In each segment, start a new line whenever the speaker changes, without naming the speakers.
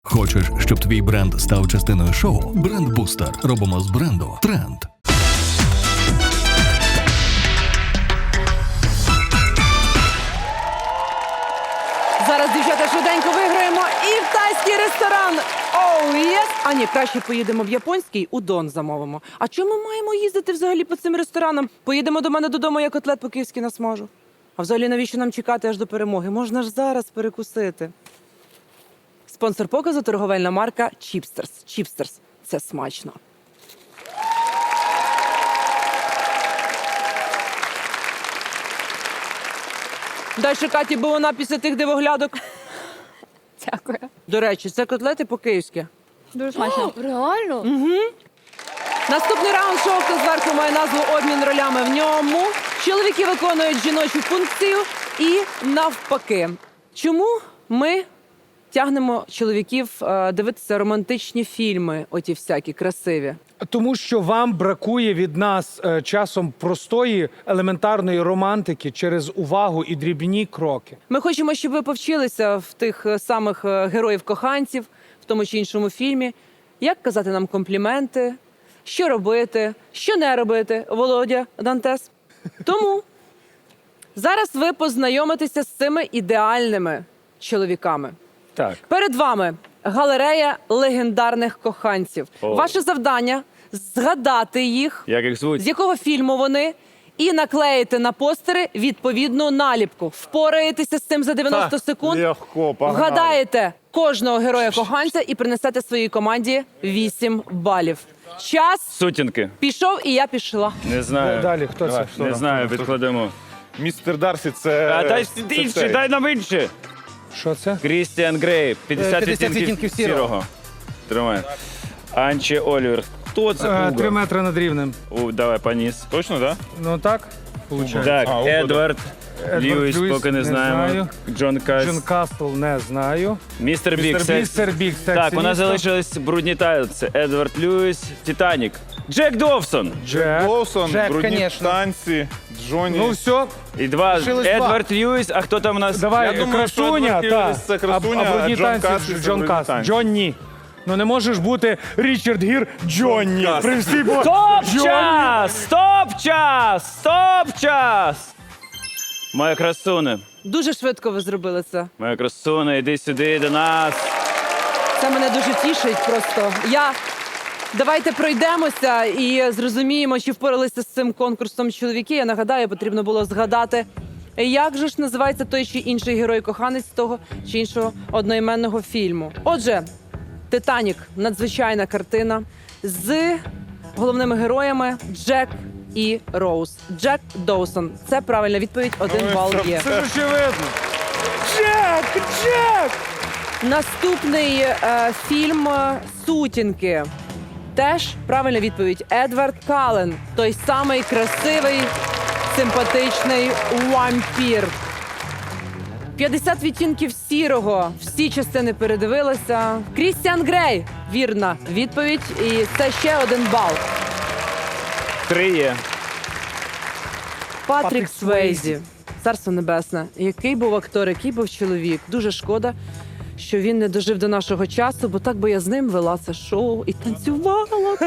Хочеш, щоб твій бренд став частиною шоу? Бренд-бустер. Робимо з бренду тренд.
Зараз, дівчата, швиденько виграємо і в тайський ресторан. Оу, єс! А ні, краще поїдемо в японський, удон замовимо. А чому ми маємо їздити взагалі по цим ресторанам? Поїдемо до мене додому, я котлет по-київськи насмажу. А взагалі навіщо нам чекати аж до перемоги? Можна ж зараз перекусити. Спонсор показу – торговельна марка Чіпстерс. Чіпстерс – це смачно. Дай ще Каті, бо вона після тих дивоглядок.
Дякую.
До речі, це котлети по-київськи.
Дуже смачно. Реально?
Наступний раунд шоу «Хто зверху» має назву «Обмін ролями». В ньому чоловіки виконують жіночу функцію і навпаки. Чому ми тягнемо чоловіків дивитися романтичні фільми, оті всякі красиві?
Тому що вам бракує від нас часом простої елементарної романтики через увагу і дрібні кроки.
Ми хочемо, щоб ви повчилися в тих самих героїв-коханців, в тому чи іншому фільмі, як казати нам компліменти, що робити, що не робити, Володя Дантес. Тому зараз ви познайомитеся з цими ідеальними чоловіками.
Так.
Перед вами галерея легендарних коханців. Ваше завдання – згадати їх,
Як їх звуть?
з якого фільму вони, і наклеїти на постери відповідну наліпку. Впораєтеся з цим за 90 секунд,
Легко, погнали.
вгадаєте кожного героя-коханця і принесете своїй команді 8 балів. Час
Сутінки.
пішов, і я пішла.
Не знаю.
Далі, хто це?
Не знаю, відкладемо.
Містер Дарсі це...
А дай
це
інші,
цей.
дай нам інші.
Що це?
Крістіан Грей, 50
50
відтінків
відтінків сірого.
Тримай. Анчі Олівер. Хто це?
3
Уго?
метри над рівнем.
Давай, поніс.
Точно, так?
Ну так, виходить.
Так,
Уго,
Едвард. Льюіс,
Льюіс,
поки не
не
знаємо.
знаю.
Джон Кас.
Джон Кастл не знаю.
Містер Бік.
Містер Біг.
Так, у нас залишились брудні тайлці. Едвард Льюіс, Титанік. Джек Довсон.
Джек.
Лоусон,
Джек,
брудні
конечно.
танці, Джонні.
Ну все,
І два.
Лишилось два.
Едвард Льюіс, а хто там у нас?
давай,
Я думаю, що
красуня,
Едвард
та.
Льюіс це красуня,
а брудні
а Джон
танці
Кас це
Джон
брудні
Кас.
танці.
Джонні. Ну не можеш бути Річард Гір Джонні.
Кас.
При всій
Стоп-час! Стоп-час! Стоп-час! Моя красуня,
Дуже швидко ви зробили це.
моя красуня, іди сюди до нас.
Це мене дуже тішить просто. Давайте пройдемося і зрозуміємо, чи впоралися з цим конкурсом чоловіки. Я нагадаю, потрібно було згадати, як же ж називається той чи інший герой-коханець того чи іншого одноіменного фільму. Отже, «Титанік» – надзвичайна картина з головними героями Джек і Роуз. Джек Доусон. Це правильна відповідь, 1 бал є.
Це ж очевидно. Джек! Джек!
Наступний фільм «Сутінки». Теж правильна відповідь. Едвард Каллен. Той самий красивий, симпатичний вампір. 50 відтінків сірого. Всі частини передивилися. Крістіан Грей. Вірна відповідь. І це ще 1 бал.
3 є.
Патрік Свейзі. Царство небесне. Який був актор, який був чоловік. Дуже шкода, що він не дожив до нашого часу, бо так би я з ним вела це шоу і танцювала.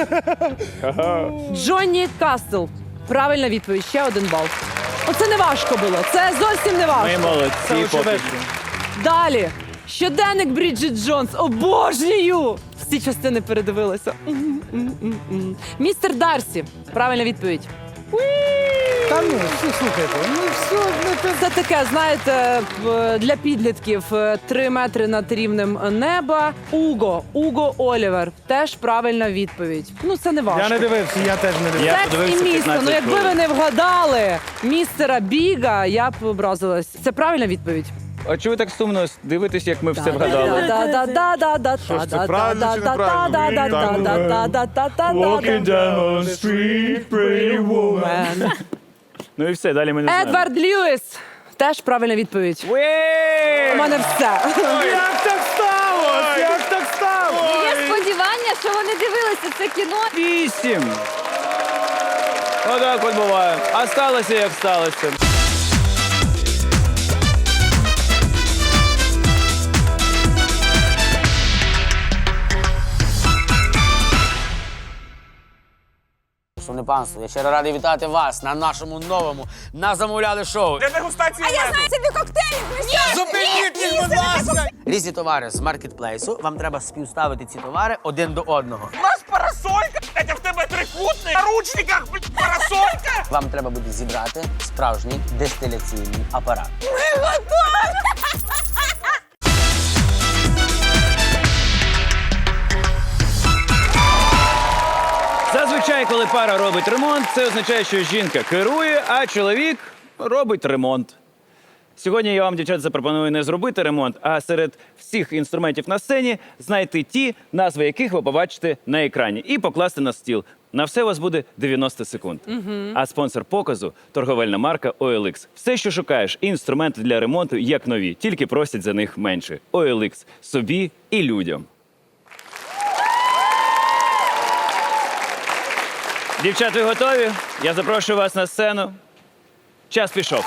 Джонні Кастл. Правильна відповідь. Ще 1 бал. Оце не важко було. Це зовсім не
Ми
важко.
молодці. поки що.
Далі. Щоденник Бріджит Джонс. Обожнюю! Всі частини передивилися. Містер Дарсі. Правильна відповідь.
Та ну, слухайте, ну все,
Це таке, знаєте, для підлітків 3 метри над рівнем неба. Уго Олівер. Теж правильна відповідь. Ну, це не важко.
я не дивився, я теж не дивився.
Я
Секс
подивився
і місто.
15
Ну, якби ви
хвилин.
не вгадали містера Біга, я б образилась. Це правильна відповідь.
А чого ви так сумно дивитесь, як ми все вгадали?
Що ж, це правильно чи неправильно?
down the street, pretty woman. Ну і все, далі ми не знаємо.
Едвард Льюіс. Теж правильна відповідь. У мене все.
Як так сталося? Як так сталося?
Є сподівання, що вони дивилися це кіно.
8. Отак от буває. А сталося, як сталося.
Шановне панство, я щиро радий вітати вас на нашому новому «Назамовляли» шоу.
Для дегустації меду.
Собі коктейлі!
Зупиніть їх, будь ласка! Різні товари з маркетплейсу. Вам треба співставити ці товари один до одного.
У нас парасолька, блядь, а в тебе трикутник. На ручниках, блядь, парасолька.
Вам треба буде зібрати справжній дистиляційний апарат.
Зазвичай, коли пара робить ремонт, це означає, що жінка керує, а чоловік робить ремонт. Сьогодні я вам, дівчат, запропоную не зробити ремонт, а серед всіх інструментів на сцені знайти ті, назви яких ви побачите на екрані, і покласти на стіл. На все у вас буде 90 секунд. А спонсор показу – торговельна марка OLX. Все, що шукаєш, і інструменти для ремонту, як нові, тільки просять за них менше. OLX – собі і людям. Дівчат, ви готові? Я запрошую вас на сцену. Час пішов.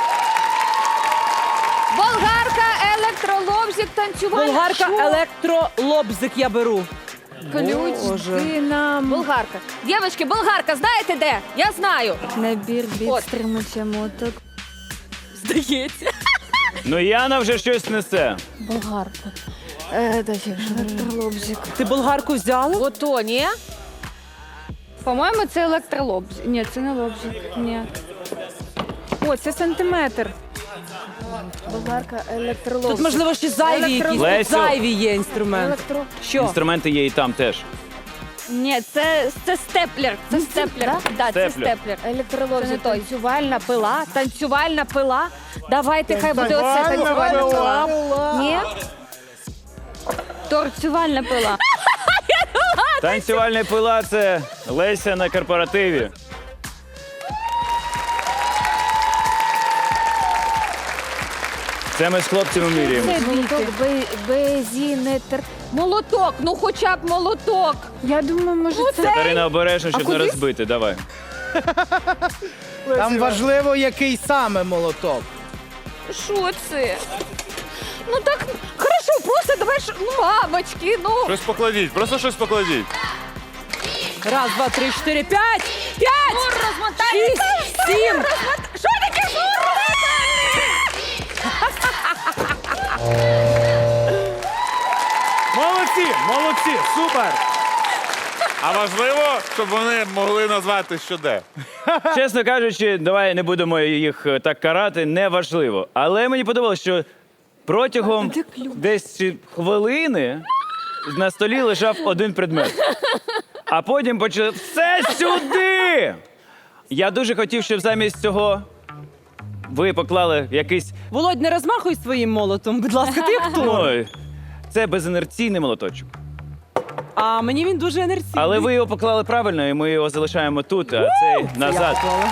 Болгарка, електролобзик, танцювальна.
Болгарка,
Що?
електролобзик я беру.
Ключ,
Боже.
ти нам. Болгарка. Дівчатки, болгарка, знаєте де? Я знаю.
Набір
От.
підтримувача моток.
Здається.
Ну, Яна вже щось несе.
Болгарка. Електролобзик.
Ти болгарку взяла?
Ото, ні?
По-моєму, це електролобзик. Ні, це не лобзик. Ні. О, це сантиметр. Болгарка, електролобзик.
Тут, можливо, ще зайві якісь. Тут
Лесю.
зайві є інструмент.
Електро...
Що?
Інструменти є і там теж.
Ні, це степлер. Це степлер. Да, це
Степлер.
степлер. Це не
Електролобзик.
той. Танцювальна пила. Танцювальна пила. Давайте, хай буде оце танцювальна пила. Ні? Торцювальна пила.
Танцювальна пила – це Леся на корпоративі. Це ми з хлопцями міряємо.
Це молоток, безінетр.
Молоток, ну хоча б молоток.
Я думаю, може це...
Катерина, обережно, щоб не
куди?
розбити. Давай.
Там важливо, який саме молоток.
Що це? Ну так, хорошо, просто давай, ну, мамочки, ну.
Щось покладіть, просто щось покладіть.
Раз, два, три, чотири, п'ять! П'ять!
Мур розмотай.
Шість, сім!
Що таке мур?
Молодці, молодці, супер.
А важливо, щоб вони могли назвати, що де.
Чесно кажучи, давай не будемо їх так карати, неважливо. Але мені подобалося, що протягом десь хвилини на столі лежав один предмет. А потім почали все сюди! Я дуже хотів, щоб замість цього ви поклали якийсь.
Володь, не розмахуй своїм молотом, будь ласка, ти хто?
Ой, це безінерційний молоточок.
А мені він дуже енергійний.
Але ви його поклали правильно, і ми його залишаємо тут, а цей назад.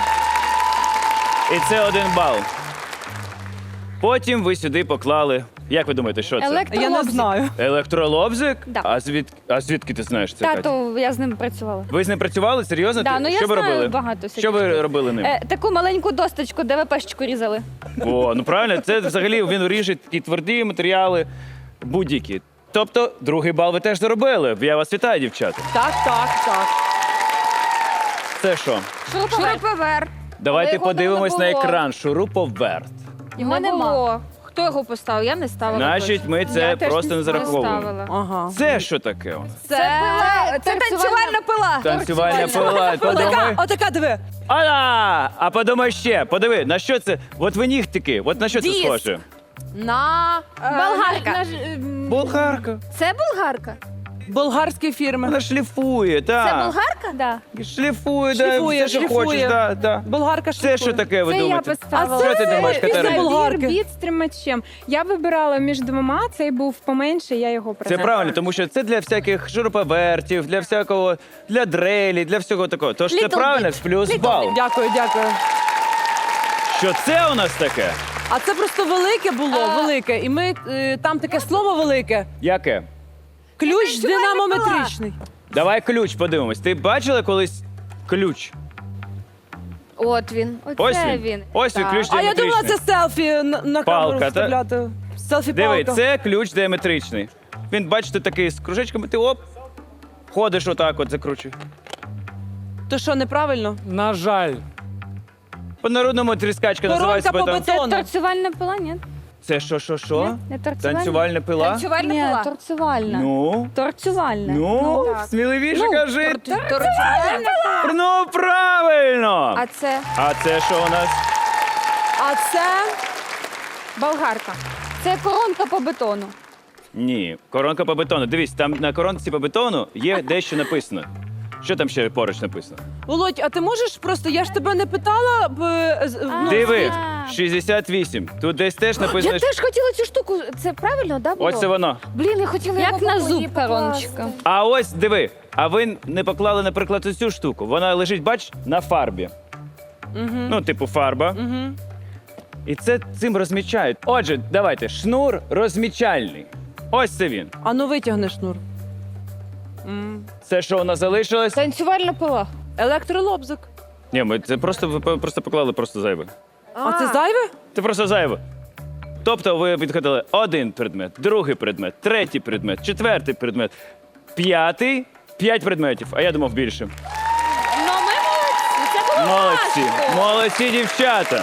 І це 1 бал. Потім ви сюди поклали. Як ви думаєте, що це?
Я не знаю.
Електролобзик?
Да.
А звідки ти знаєш це? Катя?
Тато, я з ним працювала.
Ви з ним працювали? Серйозно?
Да,
Ти-
ну я
що ви
знаю
робили?
багато
Що ви
всяких.
робили ним?
Таку маленьку досточку, ДВПшечку різали.
О, ну правильно, це взагалі він ріже такі тверді матеріали, будь-які. Тобто, 2 бал ви теж заробили. Я вас вітаю, дівчата.
Так, так, так.
Це що?
Шуруповерт.
Давайте
його там
подивимось
не
на
було.
екран. Шуруповерт.
Його
Не
нема.
було.
Хто його поставив? Я не ставила.
Значить, ми це
Я теж
просто не зараховуємо.
ставила.
Ага.
Це що таке?
Це пила. Це танцювальна пила.
Танцювальна пила. Подумай.
Отака, диви.
А подумай ще. Подиви, на що це? От ви нігтики. От на що це
Диск.
схоже?
На болгарка.
Болгарка.
Це болгарка?
Болгарські фірми.
Вона шліфує, так.
Це болгарка?
Да.
Шліфує, да,
Шліфує,
все, що
шліфує.
хочеш. Да, да.
Болгарка
Це
шліфує.
що таке, ви
Це я
думаєте?
поставила.
Що ти думаєш,
після
Катерина?
болгарки.
Від з тримачем. Я вибирала між двома, цей був поменше, я його
Це
придбала.
правильно, тому що це для всяких шуруповертів, для всякого, для дрелі, для всього такого. Тож це
Little
правильно,
bit.
плюс
Little
бал.
Дякую, дякую.
Що це у нас таке?
А це просто велике було, велике. І ми там таке слово велике.
Яке?
Ключ динамометричний.
Давай ключ подивимось. Ти бачила колись ключ?
От він.
Ось
Це
він.
він.
Ось він,
Так.
ключ
А я думала,
діаметричний.
це селфі на камеру
Палка, та?
вставляти. Селфі
Диви,
палка.
це ключ діаметричний. Він, бачите, такий з кружечками, ти оп, ходиш отак от закручуй.
То що, неправильно?
На жаль.
По-народному тріскачка називається.
Коронка по
потім.
бетону.
Торцювальна пила, ні?
Це що?
Не торцювальна?
Танцювальна пила?
Танцювальна
Ні,
пила.
торцювальна.
Ну?
Торцювальна.
Ну, сміливіше кажи.
Торцювальна.
Ну, правильно!
А це
А це що у нас?
А це
Болгарка.
це коронка по бетону.
Ні, коронка по бетону. Дивись, там на коронці по бетону є дещо написано. Що там ще поруч написано?
Володь, а ти можеш просто, я ж тебе не питала ну,
Диви, 68. Тут десь теж написано.
Я теж хотіла цю штуку. Це правильно, да, було?
Ось це воно.
Блін, я хотіла
Як
його
на
по
зуб
її покласти.
короночка.
А ось диви. А ви не поклали, наприклад, цю штуку. Вона лежить, бач, на фарбі. Ну, типу, фарба. І це цим розмічають. Отже, давайте, шнур розмічальний. Ось це він.
А ну витягни шнур.
Це що у нас залишилось?
Танцювальна пила.
Електролобзик.
Ні, ми це ви просто поклали просто зайве.
А це зайве?
Це просто зайве. Тобто ви відходили один предмет, другий предмет, третій предмет, четвертий предмет, п'ятий, 5 предметів. А я думав більше.
Ну, ми молодці. Це було
Молодці,
важко.
молодці, дівчата.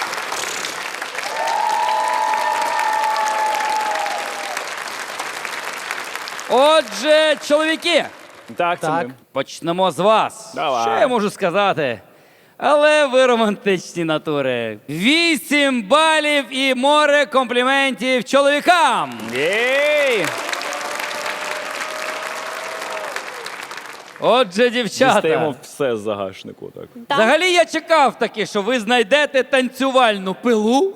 Отже, чоловіки,
Так, це
Так.
ми.
почнемо з вас.
Давай.
Що я можу сказати? Але ви романтичні натури. 8 балів і море компліментів чоловікам.
Єй!
Отже, дівчата.
Дістаємо все з загашнику. Так.
Взагалі я чекав таки, що ви знайдете танцювальну пилу.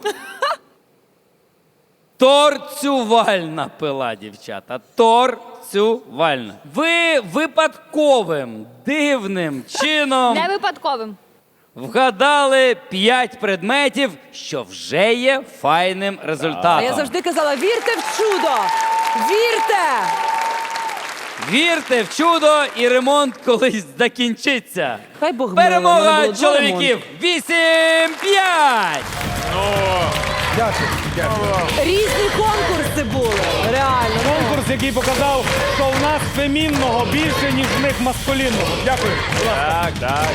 Торцювальна пила, дівчата. Торцювальна. Ви випадковим, дивним чином
Не випадковим.
вгадали 5 предметів, що вже є файним результатом.
А я завжди казала, вірте в чудо! Вірте!
Вірте в чудо, і ремонт колись закінчиться.
Хай Бог милує, в мене
Перемога
було 2
чоловіків 8-5!
Дякую.
Різні конкурси були. Реально.
Конкурс, який показав, що в нас фемінного більше, ніж в них маскулінного. Дякую.
Так, так.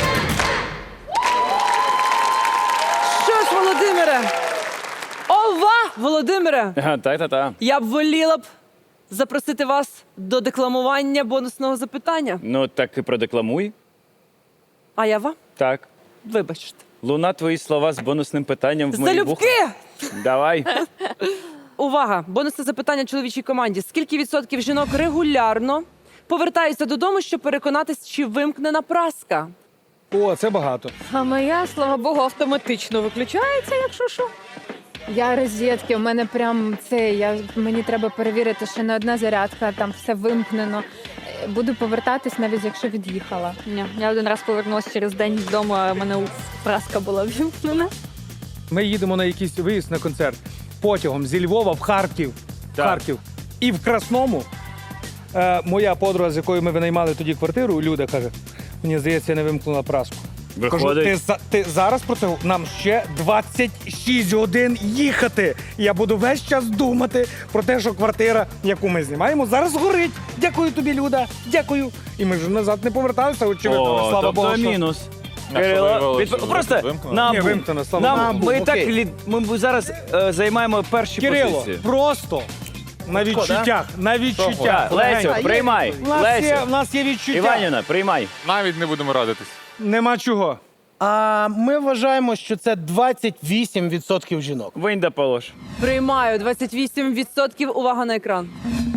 Що ж, Володимире? Ова, Володимире!
Так.
Я б воліла б запросити вас до декламування бонусного запитання.
Ну, так і продекламуй.
А я вам?
Так.
Вибачте.
Луна, твої слова з бонусним питанням в мої вуха.
Залюбки!
Давай.
Увага! Бонусне запитання чоловічій команді. Скільки відсотків жінок регулярно повертаються додому, щоб переконатись, чи вимкнена праска?
О, це багато.
А моя, слава Богу, автоматично виключається, якщо що.
Я розетки, у мене прям це, мені треба перевірити, що не одна зарядка, там все вимкнено. Буду повертатись, навіть якщо від'їхала.
Ні, я один раз повернулася через день з дому, а в мене праска була вімкнена.
Ми їдемо на якийсь виїзд на концерт потягом зі Львова в Харків.
Так.
Харків. І в Красному моя подруга, з якою ми винаймали тоді квартиру, Люда, каже, мені здається, я не вимкнула праску. Кажу,
Виходить.
ти зараз про це? Нам ще 26 годин їхати. Я буду весь час думати про те, що квартира, яку ми знімаємо, зараз горить. Дякую тобі, Люда. Дякую. І ми ж назад не поверталися, очевидно.
О,
слава
тобто
Богу. що-
мінус.
А що
Кирило,
виявилося, що
просто
вимкнено?
нам,
Ні, вимкнено, слава Богу.
нам ми так ми зараз займаємо перші
Кирило,
позиції.
просто на відчуттях. На відчуттях.
Так, Лесю, приймай.
В
Лесю,
нас є відчуття.
Іванівна, приймай.
Навіть не будемо радитись.
Нема чого.
А ми вважаємо, що це 28% жінок.
Винь да полож.
Приймаю 28%. Увага на екран.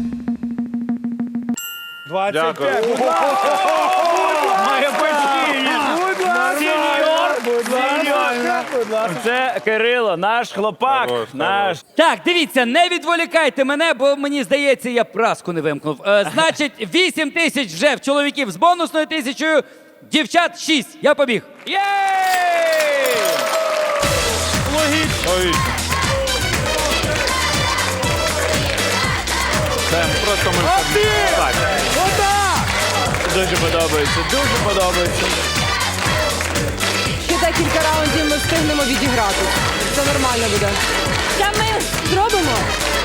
25.
Дякую.
Моя Це Кирило, наш хлопак.
Хорош,
Наш.
Так, дивіться, не відволікайте мене, бо мені здається, я праску не вимкнув. Значить, 8 тисяч вже в чоловіків з бонусною 1000, дівчат 6. Я побіг.
Єй!
Ой. Це просто ми... Так.
Дуже подобається, дуже подобається.
Ще декілька раундів ми встигнемо відіграти. Це нормально буде. Це ми зробимо.